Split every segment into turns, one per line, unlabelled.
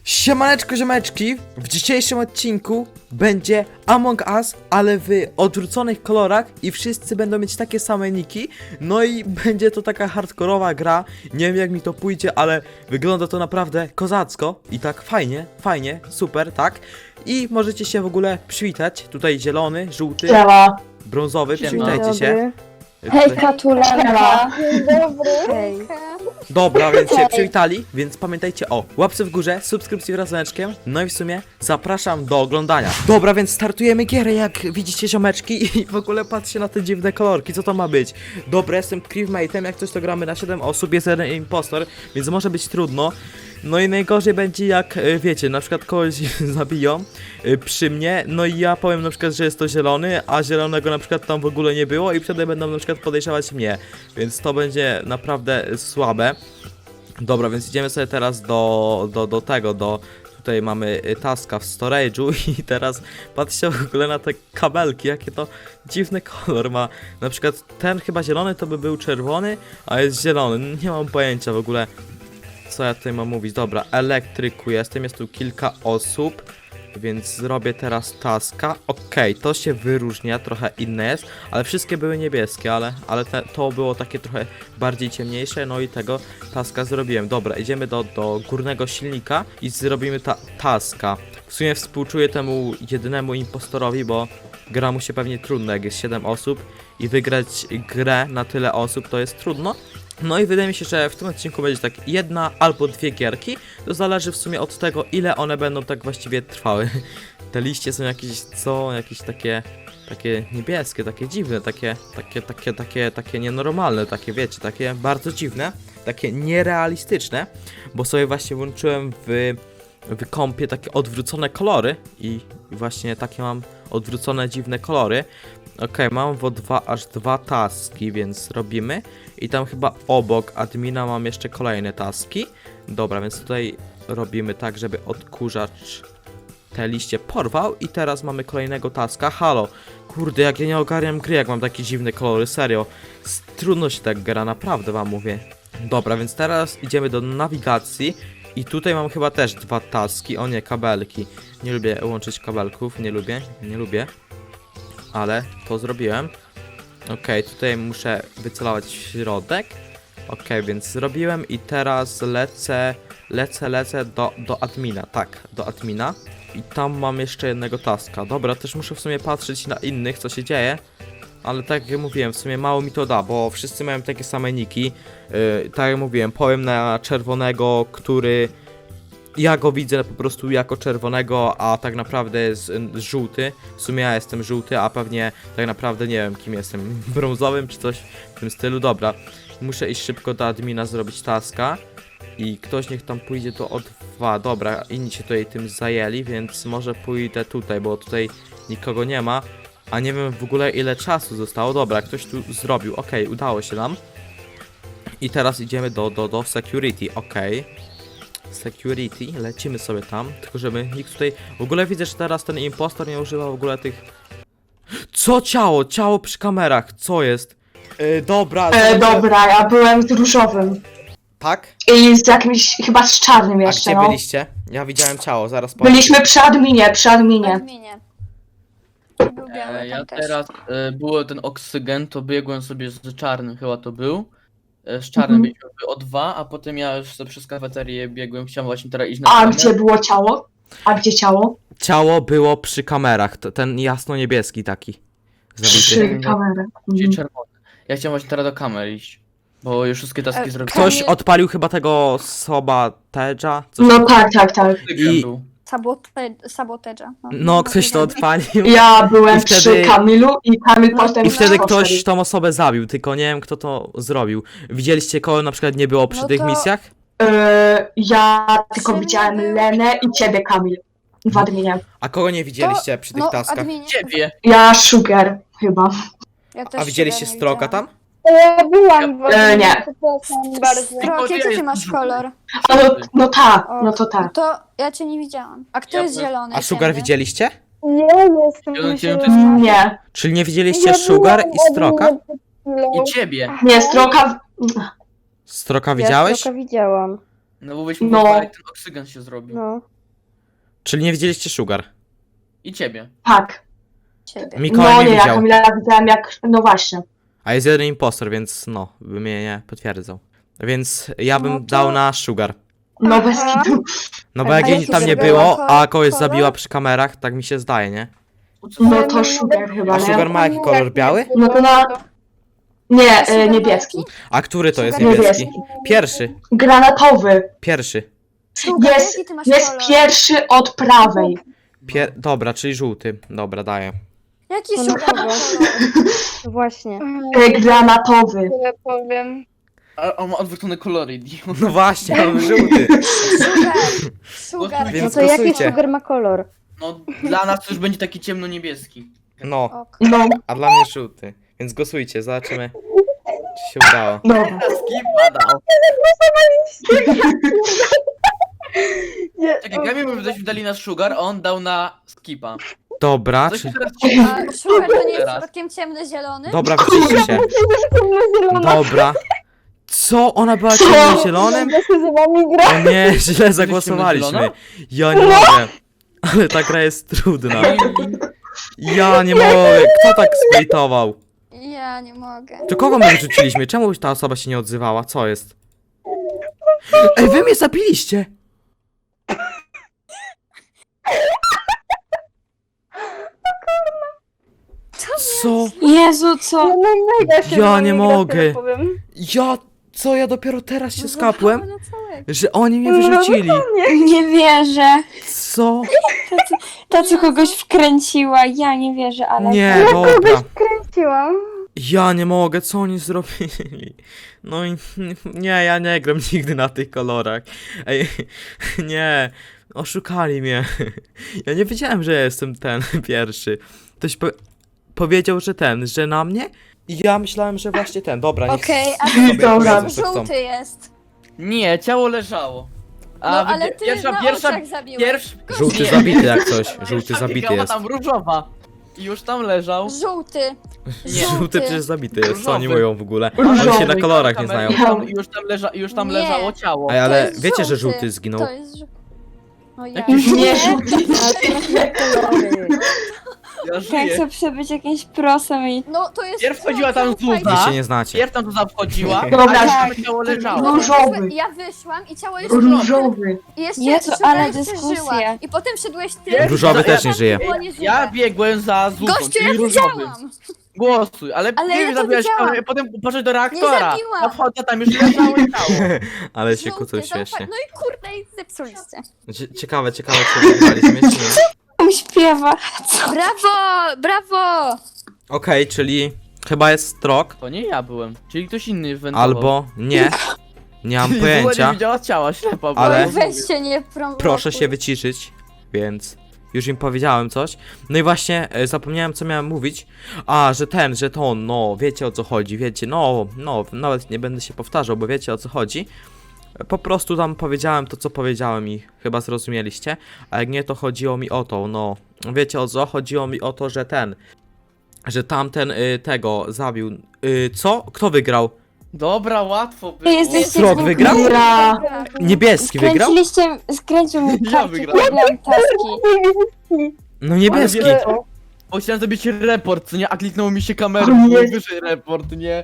Siemaneczko ziomeczki, w dzisiejszym odcinku będzie Among Us, ale w odwróconych kolorach i wszyscy będą mieć takie same niki. No i będzie to taka hardkorowa gra, nie wiem jak mi to pójdzie, ale wygląda to naprawdę kozacko i tak fajnie, super, tak? I możecie się w ogóle przywitać, tutaj zielony, żółty,
Siema.
brązowy,
Siema.
przywitajcie się.
Hejka, Tulenka.
Hej.
Dobra, więc się przywitali, więc pamiętajcie o łapce w górze, subskrypcji wraz z dzwoneczkiem, no i w sumie zapraszam do oglądania. Dobra, więc startujemy gierę, jak widzicie ziomeczki i w ogóle patrzcie na te dziwne kolorki, co to ma być? Dobra, jestem crewmate'em, jak coś to gramy na 7 osób, jest jeden impostor, więc może być trudno. No i najgorzej będzie jak, wiecie, na przykład kogoś zabiją przy mnie, no i ja powiem na przykład, że jest to zielony, a zielonego na przykład tam w ogóle nie było i wtedy będą na przykład podejrzewać mnie, więc to będzie naprawdę słabe. Dobra, więc idziemy sobie teraz tutaj mamy taska w storage'u i teraz patrzcie w ogóle na te kabelki, jakie to dziwny kolor ma. Na przykład ten chyba zielony to by był czerwony, a jest zielony, nie mam pojęcia w ogóle. Co ja tutaj mam mówić? Dobra, elektryku jest tu kilka osób, więc zrobię teraz taska. Okej, to się wyróżnia, trochę inne jest, ale wszystkie były niebieskie, ale to było takie trochę bardziej ciemniejsze, no i tego taska zrobiłem. Dobra, idziemy do górnego silnika i zrobimy taska. W sumie współczuję temu jedynemu impostorowi, bo gra mu się pewnie trudno, jak jest 7 osób i wygrać grę na tyle osób to jest trudno. No i wydaje mi się, że w tym odcinku będzie tak jedna albo dwie gierki. To zależy w sumie od tego, ile one będą tak właściwie trwały. Te liście są jakieś takie niebieskie, takie dziwne, takie nienormalne, takie wiecie, takie bardzo dziwne, takie nierealistyczne, bo sobie właśnie włączyłem w kompie takie odwrócone kolory i właśnie takie mam odwrócone dziwne kolory. Okej, mam aż dwa taski, więc robimy. I tam chyba obok admina mam jeszcze kolejne taski. Dobra, więc tutaj robimy tak, żeby odkurzacz te liście porwał. I teraz mamy kolejnego taska. Halo, kurde, jak ja nie ogarniam gry, jak mam takie dziwne kolory, serio. Trudno się tak gra, naprawdę wam mówię. Dobra, więc teraz idziemy do nawigacji. I tutaj mam chyba też dwa taski. O nie, kabelki. Nie lubię łączyć kabelków, nie lubię. Ale to zrobiłem. Okej, tutaj muszę wycelować w środek. Okej, więc zrobiłem i teraz lecę do admina. Tak, do admina. I tam mam jeszcze jednego taska. Dobra, też muszę w sumie patrzeć na innych, co się dzieje. Ale tak jak mówiłem, w sumie mało mi to da, bo wszyscy mają takie same niki. Tak jak mówiłem, powiem na czerwonego, który... Ja go widzę po prostu jako czerwonego, a tak naprawdę jest żółty. W sumie ja jestem żółty, a pewnie tak naprawdę nie wiem kim jestem. Brązowym czy coś w tym stylu. Dobra, muszę iść szybko do admina zrobić taska. I ktoś niech tam pójdzie do O2. Dobra, inni się tutaj tym zajęli, więc może pójdę tutaj, bo tutaj nikogo nie ma. A nie wiem w ogóle ile czasu zostało. Dobra, ktoś tu zrobił. Okej, udało się nam. I teraz idziemy do security. Okej. Security, lecimy sobie tam, tylko żeby nikt tutaj... W ogóle widzę, że teraz ten impostor nie używa w ogóle tych... Co ciało? Ciało przy kamerach, co jest? Dobra...
Dobra, ja byłem z różowym.
Tak?
I z jakimś, chyba z czarnym
A
jeszcze,
gdzie
no.
byliście? Ja widziałem ciało, zaraz powiem.
Byliśmy przy adminie.
Adminie. Był biały,
Ja
tam też.
teraz było ten oksygen, to biegłem sobie z czarnym, chyba to był. Z czarnym biegłem o 2, a potem ja już sobie przez kafeterię biegłem, chciałem właśnie teraz iść na
A
kamerę.
gdzie było ciało? A gdzie ciało?
Ciało było przy kamerach, ten jasno-niebieski taki. Zabity.
Przy kamerę.
Czyli czerwony. Ja chciałem właśnie teraz do kamery iść, bo już wszystkie taski zrobiłem.
Ktoś odpalił chyba tego Sobateja?
No tak.
Oksygen
i-
był.
Sabotage'a.
No, ktoś to odpalił.
Ja byłem
I wtedy-
przy Kamilu i Kamil potem
I wtedy
poszedł.
ktoś tą osobę zabił, tylko nie wiem kto to zrobił. Widzieliście kogo na przykład nie było przy
No
tych
to-
misjach?
Ja tylko
Przy
widziałem
mnie był-
Lenę i ciebie, Kamil. W adminie.
A kogo nie widzieliście przy tych
No,
taskach?
adminie.
Ciebie!
Ja Sugar, chyba.
Ja też
A widzieliście
siebie nie
Stroka
widziałam.
tam?
Ja byłam w
nie.
przepraszam bardzo.
Strok, jaki ty masz kolor?
A no tak, no to tak.
To ja cię nie widziałam. A kto
Ja
jest
byłem-
zielony?
A Sugar
ciemny?
widzieliście?
Nie jestem
Zielony
zielona.
to jest-
Nie,
Czyli nie widzieliście
Ja
Sugar
byłam
i Stroka?
od przed chwilą.
I ciebie!
nie, Stroka...
Stroka widziałeś?
Ja tylko widziałam.
No bo byś
No.
mówił, jak ten oksygen się zrobił.
No.
Czyli nie widzieliście Sugar.
I ciebie.
Tak.
Ciebie.
Mikołaj
No
nie
nie, ja
widział.
Kamila widziałam jak... No właśnie.
A jest jeden impostor, więc no, by mnie nie potwierdzał. Więc ja bym
No to-
dał na Sugar.
No bez
Aha.
kitu.
No bo
A
jak jej
jaki
tam nie
Sugar
było,
ma
a kogoś
kolor?
zabiła przy kamerach, tak mi się zdaje, nie?
No to Sugar chyba,
A
nie?
Sugar ma jaki kolor? Biały?
No to na... Nie,
Sugar ma
niebieski.
A który to jest
Sugar
niebieski?
niebieski.
Pierwszy.
Granatowy.
Pierwszy.
Sugar,
Jest,
jaki ty masz
jest
kolor?
pierwszy od prawej.
Dobra, czyli żółty. Dobra, daję.
Jaki
No
Sugar ma
dobra.
kolor?
Właśnie.
Granatowy.
Tyle powiem.
A on ma odwrócone kolory, idiot.
No właśnie, mamy żółty.
Sugar.
Więc
No to jaki
głosujcie.
Sugar ma kolor?
No, dla nas to już będzie taki ciemno-niebieski.
No,
Ok.
No,
a dla mnie żółty. Więc głosujcie, zobaczymy, czy się udało.
dobra.
Skip dał.
Nie,
Czekaj, Kamil byśmy dali na Sugar, a on dał na Skipa.
Dobra,
Coś
czy...
teraz
A Sugar to nie jest
Teraz.
przypadkiem ciemny-zielony?
Dobra, wyciszcie się.
zielona.
Dobra. Co? Ona była ciemno-zielonym?
Ja się z wami gra.
O nie, źle zagłosowaliśmy.
zielona?
Ja nie mogę. Ale ta gra jest trudna. Ja nie mogę. Kto tak splitował?
Ja nie mogę.
To kogo my wyrzuciliśmy? Czemu ta osoba się nie odzywała? Co jest? Ej, wy mnie zabiliście! Co?
Jezu, co?
No mega się z
Ja
wami
nie
gra,
mogę.
tyle powiem.
Co? Ja dopiero teraz się skapłem,
Na całego.
że oni mnie wyrzucili.
Nie wierzę.
Co?
Ta, co kogoś wkręciła, ja nie wierzę, ale...
Nie, dobra.
Kręciłam.
Ja nie mogę, co oni zrobili? No i nie, ja nie gram nigdy na tych kolorach. Ej, nie, oszukali mnie. Ja nie wiedziałem, że ja jestem ten pierwszy. Ktoś powiedział, że że na mnie? I ja myślałem, że właśnie ten. Dobra, niech
Okej, a
sobie
Dobra.
powiedzą, co chcą.
żółty jest.
Nie, ciało leżało.
No ale ty na oczach zabiłeś.
Żółty
Nie.
zabity jak coś. Żółty
Pierwsza
zabity
biegała
jest.
tam różowa. I już tam leżał.
Żółty.
Żółty przecież zabity jest, co oni
Różowy.
mówią w ogóle? Oni się na
Różowy.
kolorach nie znają.
I już tam
Nie.
leżało ciało.
Ej, ale
To jest
wiecie, że
żółty.
żółty zginął?
To jest No ja.
Jakiś
Nie,
Ja
Tak,
żyję.
co przebyć jakimś prosem i...
No to jest.
Pierw chodziła tam
zaufaj mi.
Wy
Zuza.
się nie znacie.
Pierw tam tu wchodziła,
Dobra.
a tam ciało leżało.
Różowy.
Ja wyszłam i ciało jeszcze
różowy.
I jeszcze
Jezu,
Sugar
ale
jeszcze
dyskusja.
żyła. I potem szedłeś ty.
Wiesz,
Różowy
że
też
ja-
nie żyje.
Było nieżywe.
Ja biegłem za Zuzą,
Gościu, ja
czyli różowy.
widziałam.
Głosuj, ale
Ale
nie
ja to
zabiłaś
widziałam.
kamerę, potem poszedł do reaktora.
zabiłam.
Ja wchodzę, tam już leżało ciało.
Ale się
Żółty,
kłócą
zaufaj.
śmiesznie.
No i kurde, i zepsuliście.
Ciekawe, czy wygraliśmy, czy nie?
On śpiewa.
Brawo, brawo.
Okej, czyli chyba jest Strok,
To nie ja byłem, czyli ktoś inny wentował.
albo nie. Nie mam
Zuza
pojęcia.
nie widziała ciała, ślepa była.
Ale-
Oj, weź się nie prowokuj.
Proszę się wyciszyć, więc już im powiedziałem coś. No i właśnie zapomniałem, co miałem mówić. A, że to, no, wiecie o co chodzi, wiecie, no, nawet nie będę się powtarzał, bo wiecie o co chodzi. Po prostu tam powiedziałem to, co powiedziałem i chyba zrozumieliście. A jak nie, to chodziło mi o to, no, wiecie o co? Chodziło mi o to, że tamten tego zabił. Co? Kto wygrał?
Dobra, łatwo było.
Ty jesteś
Strok wygrał?
Dobra.
Niebieski wygrał?
Skręcił mi
Ja
kartę,
wygrałem.
robiłam taski.
No niebieski.
Ale wiesz co? Bo chciałem zrobić report, co nie? A kliknęło mi się kamerą,
O nie.
było wyżej report, nie?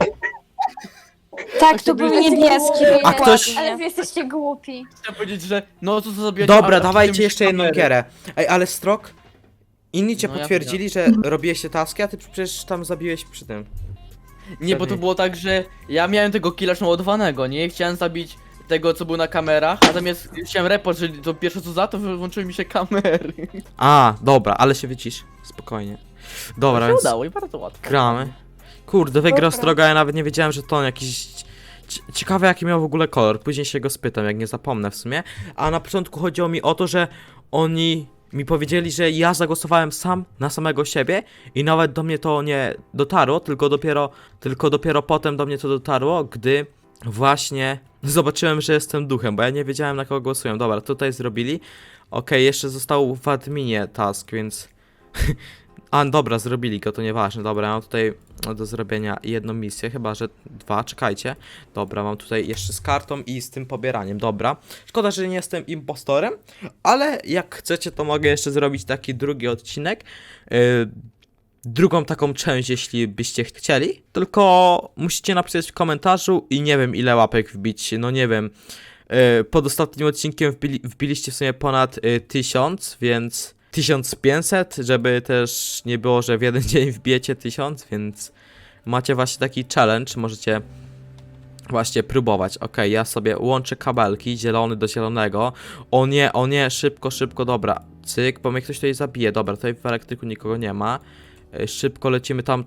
Tak, to był niebieski.
A ktoś-
Ale wy jesteście głupi.
Chciałem powiedzieć, że no co zrobiłeś?
Dobra,
a
dawajcie
potem
jeszcze jedną
kamery.
gierę. Ej, ale Strok? Inni cię
No ja
potwierdzili, że robiłeś te taski, a ty przecież tam zabiłeś przy tym.
Nie, bo to było tak, że ja miałem tego killa ładowanego, nie? Chciałem zabić tego, co był na kamerach, a zamiast chciałem report, że to pierwsze co za to, wyłączyły mi się kamery.
A, dobra, ale się wycisz. Spokojnie. Dobra,
To się
więc
udało i bardzo łatwo.
gramy. Kurde, wygrał Stroga, ja nawet nie wiedziałem, że to on jakiś... Ciekawe jaki miał w ogóle kolor, później się go spytam, jak nie zapomnę w sumie. A na początku chodziło mi o to, że oni mi powiedzieli, że ja zagłosowałem sam na samego siebie i nawet do mnie to nie dotarło, tylko dopiero potem do mnie to dotarło, gdy właśnie zobaczyłem, że jestem duchem, bo ja nie wiedziałem na kogo głosuję. Dobra, tutaj zrobili. Okej, jeszcze został w adminie task, więc... A, dobra, zrobili go, to nieważne. Dobra, mam tutaj do zrobienia jedną misję, chyba że dwa, czekajcie. Dobra, mam tutaj jeszcze z kartą i z tym pobieraniem, dobra. Szkoda, że nie jestem impostorem, ale jak chcecie, to mogę jeszcze zrobić taki drugi odcinek. Drugą taką część, jeśli byście chcieli. Tylko musicie napisać w komentarzu i nie wiem ile łapek wbić, no nie wiem. Pod ostatnim odcinkiem wbiliście w sumie ponad 1000, więc 1500, żeby też nie było, że w jeden dzień wbijecie 1000, więc macie właśnie taki challenge, możecie właśnie próbować. Ok, ja sobie łączę kabelki, zielony do zielonego. O nie, szybko, szybko, dobra. Cyk, bo mnie ktoś tutaj zabije. Dobra, tutaj w elektryku nikogo nie ma. Szybko lecimy tam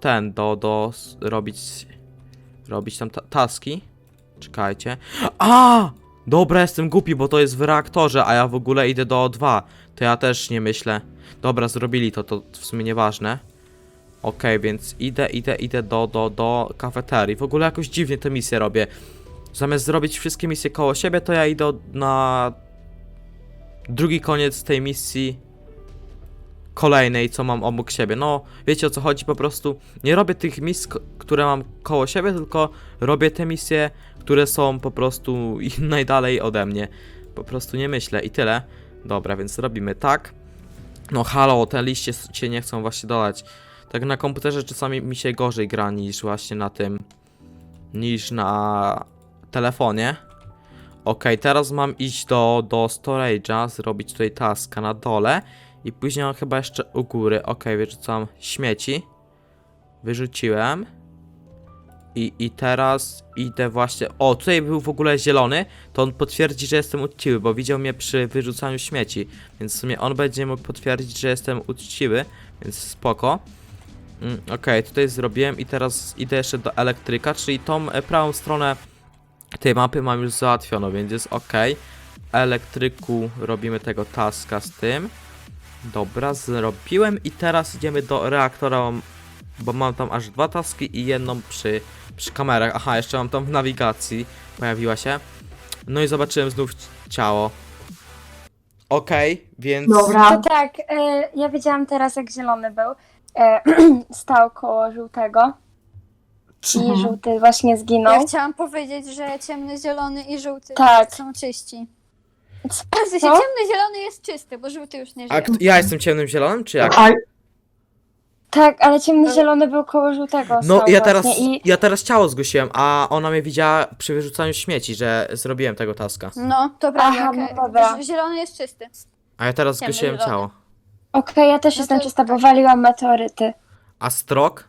robić tam taski. Czekajcie. A! Dobra, jestem głupi, bo to jest w reaktorze, a ja w ogóle idę do O2. To ja też nie myślę. Dobra, zrobili to w sumie nieważne. Okej, więc idę do kafeterii. W ogóle jakoś dziwnie te misje robię. Zamiast zrobić wszystkie misje koło siebie, to ja idę na drugi koniec tej misji kolejnej, co mam obok siebie. No, wiecie o co chodzi, po prostu nie robię tych misji, które mam koło siebie, tylko robię te misje, które są po prostu najdalej ode mnie. Po prostu nie myślę i tyle. Dobra, więc robimy tak. No halo, te liście się nie chcą właśnie dodać. Tak na komputerze czasami mi się gorzej gra niż właśnie na tym, niż na telefonie. Okej, teraz mam iść do storage'a, zrobić tutaj taska na dole. I później mam chyba jeszcze u góry. Okej, wyrzucam śmieci. Wyrzuciłem. I teraz idę właśnie... O, tutaj był w ogóle zielony. To on potwierdzi, że jestem uczciwy, bo widział mnie przy wyrzucaniu śmieci. Więc w sumie on będzie mógł potwierdzić, że jestem uczciwy. Więc spoko. Okej, tutaj zrobiłem i teraz idę jeszcze do elektryka, czyli tą prawą stronę tej mapy mam już załatwioną, więc jest ok. Elektryku robimy tego taska z tym. Dobra, zrobiłem i teraz idziemy do reaktora, bo mam tam aż 2 taski i jedną przy kamerach. Aha, jeszcze mam tam w nawigacji, pojawiła się. No i zobaczyłem znów ciało. Okej, więc...
Dobra.
To tak, ja wiedziałam teraz jak zielony był. Stał koło żółtego i żółty właśnie
Ja
zginął.
chciałam powiedzieć, że ciemny, zielony i żółty
Tak.
są czyści. W
Co?
sensie ciemny, zielony jest czysty, bo żółty już nie
A
żyje.
ja jestem ciemnym zielonym, czy jak?
A,
Tak, ale ciemny zielony był koło żółtego.
No
stał
ja
właśnie
ja teraz ciało zgłosiłem, a ona mnie widziała przy wyrzucaniu śmieci, że zrobiłem tego taska.
No, to prawda.
Aha,
okej.
no dobra.
Zielony jest czysty.
A ja teraz
Ciemny
zgłosiłem
zielony.
ciało.
Okej, ja też
No
jestem
to-
czysta, bo waliłam meteoryty.
A strok?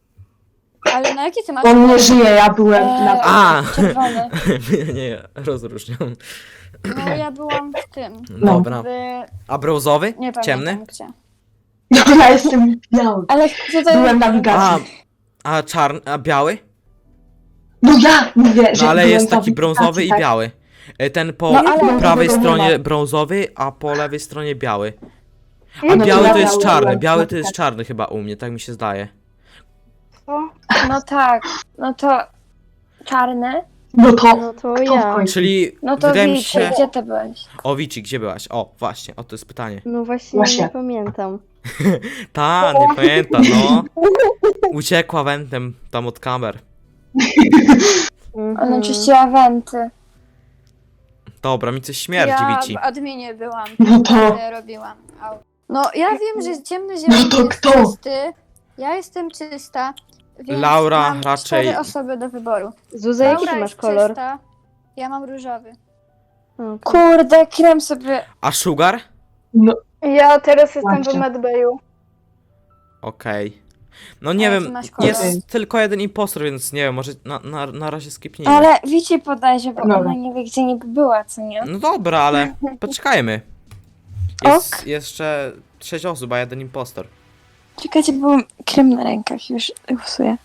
Ale na jaki ty masz?
on nie żyje, ja byłem na...
A!
Czerwony.
Nie, rozróżniam.
No ja byłam w tym.
Dobra.
W...
A brązowy?
Nie pamiętam
Ciemny?
gdzie.
No, ja jestem biały.
Ale tutaj...
Byłem na
A,
nawigacji.
a czarny, a biały?
No ja mówię, że
No ale
byłem
jest
na
taki brązowy i
nawigacji,
biały. Ten po
No, ale-
prawej
brązowego nie
stronie
ma.
brązowy, a po lewej stronie biały. A
No to
biały
ja
to jest
biały
czarny,
byłem.
biały to jest czarny chyba u mnie, tak mi się zdaje.
No tak, no to czarny.
No to,
No to
kto w
ja.
końcu?
Czyli
No to
wydaje mi
Wiczy,
się...
gdzie ty byłeś?
O, Wici, gdzie byłaś? O, właśnie, o to jest pytanie.
No właśnie,
Właśnie.
nie pamiętam.
Ta, nie pamiętam, no. Uciekła wentem tam od kamer.
Ona czyściła wenty.
Dobra, mi coś śmierdzi,
Ja
Wici.
w adminie byłam.
No to-
Robiłam. No ja wiem, że ciemny, zielony
No to
jest
kto?
czysty. Ja jestem czysta. Więc
Laura
mam
raczej-
4 osoby do wyboru.
Zuza, jaki
Laura
ty masz
jest
kolor?
czysta. Ja mam różowy.
Okay.
Kurde, krem sobie...
A Sugar?
No,
Ja teraz jestem
Właśnie.
w Medbayu.
Okej. No nie
A jaki
wiem,
masz kolor?
jest tylko jeden impostor, więc nie wiem, może na razie skipnijmy.
Ale Wici podajże, bo
Dobra.
ona nie wie gdzie niby była, co nie?
No dobra, ale poczekajmy. Jest jeszcze 6 osób, a jeden impostor.
Czekajcie, bo mam krem na rękach, już usuję.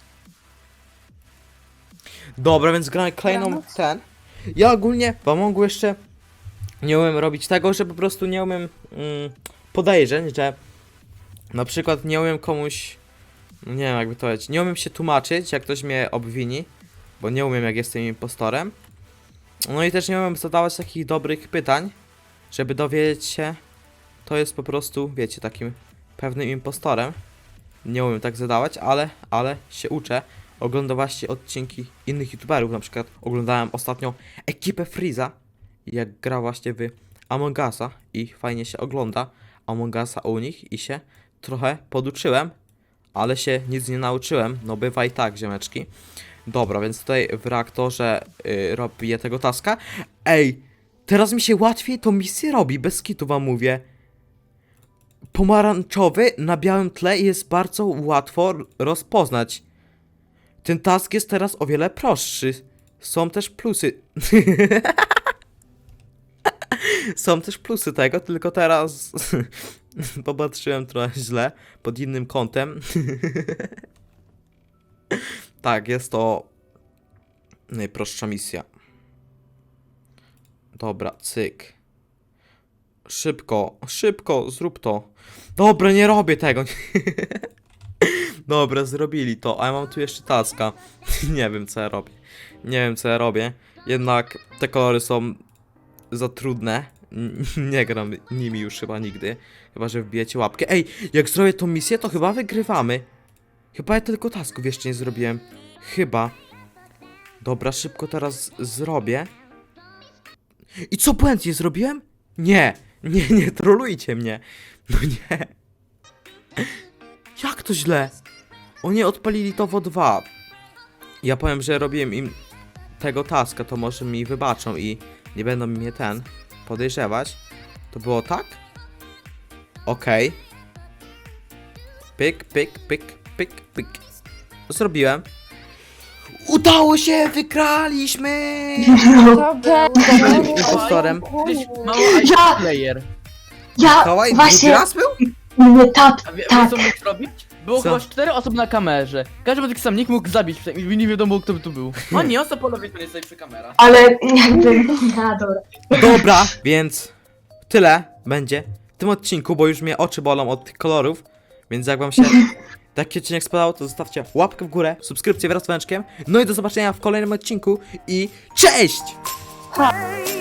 Dobra, więc gramy kolejną
Dobranoc.
ten. Ja ogólnie wam mogę jeszcze nie umiem robić tego, że po prostu nie umiem podejrzeń, że na przykład nie umiem komuś, no nie wiem jakby to powiedzieć, nie umiem się tłumaczyć, jak ktoś mnie obwini, bo nie umiem jak jestem impostorem. No i też nie umiem zadawać takich dobrych pytań, żeby dowiedzieć się, to jest po prostu, wiecie, takim pewnym impostorem. Nie umiem tak zadawać, ale się uczę. Oglądam właśnie odcinki innych youtuberów, na przykład oglądałem ostatnio ekipę Freeza, jak gra właśnie w Among Usa i fajnie się ogląda Among Usa u nich i się trochę poduczyłem, ale się nic nie nauczyłem, no bywa i tak, ziomeczki. Dobra, więc tutaj w reaktorze robię tego taska. Ej, teraz mi się łatwiej tą misję robi, bez kitu wam mówię. Pomarańczowy na białym tle jest bardzo łatwo rozpoznać. Ten task jest teraz o wiele prostszy. Są też plusy. Są też plusy tego, tylko teraz popatrzyłem trochę źle, pod innym kątem. Tak, jest to najprostsza misja. Dobra, cyk. Szybko, szybko, zrób to. Dobra, nie robię tego. Dobra, zrobili to, a ja mam tu jeszcze taska. Nie wiem, co ja robię. Nie wiem, co ja robię. Jednak te kolory są za trudne. Nie gram nimi już chyba nigdy. Chyba, że wbijecie łapkę. Ej, jak zrobię tą misję, to chyba wygrywamy. Chyba ja tylko tasków jeszcze nie zrobiłem. Chyba. Dobra, szybko teraz zrobię. I co, błędnie zrobiłem? Nie, nie trolujcie mnie. No nie. Jak to źle? Oni odpalili to w O2. Ja powiem, że robiłem im tego taska, to może mi wybaczą i nie będą mnie podejrzewać. To było tak? Okej. Pyk, pyk, pyk, pyk, pyk. Zrobiłem. Udało się! Wygraliśmy!
Dobra.
Impostorem.
Jesteś mało
Ja-
player.
Ja
Mikołaj, drugi
właśnie...
raz był?
Nie, tak,
A wiesz
tak.
co mógł zrobić? Było
Co?
chyba 4 osoby na kamerze. Każdy taki sam nikt mógł zabić i nie wiadomo kto by tu był. A nie, osoba polowej to nie stoi przy kamera.
Ale jakby... No dobra.
Dobra, więc tyle będzie w tym odcinku, bo już mnie oczy bolą od tych kolorów. Więc jak wam się taki odcinek spodobał, to zostawcie łapkę w górę, subskrypcję wraz z dzwoneczkiem. No i do zobaczenia w kolejnym odcinku i cześć!
Ha.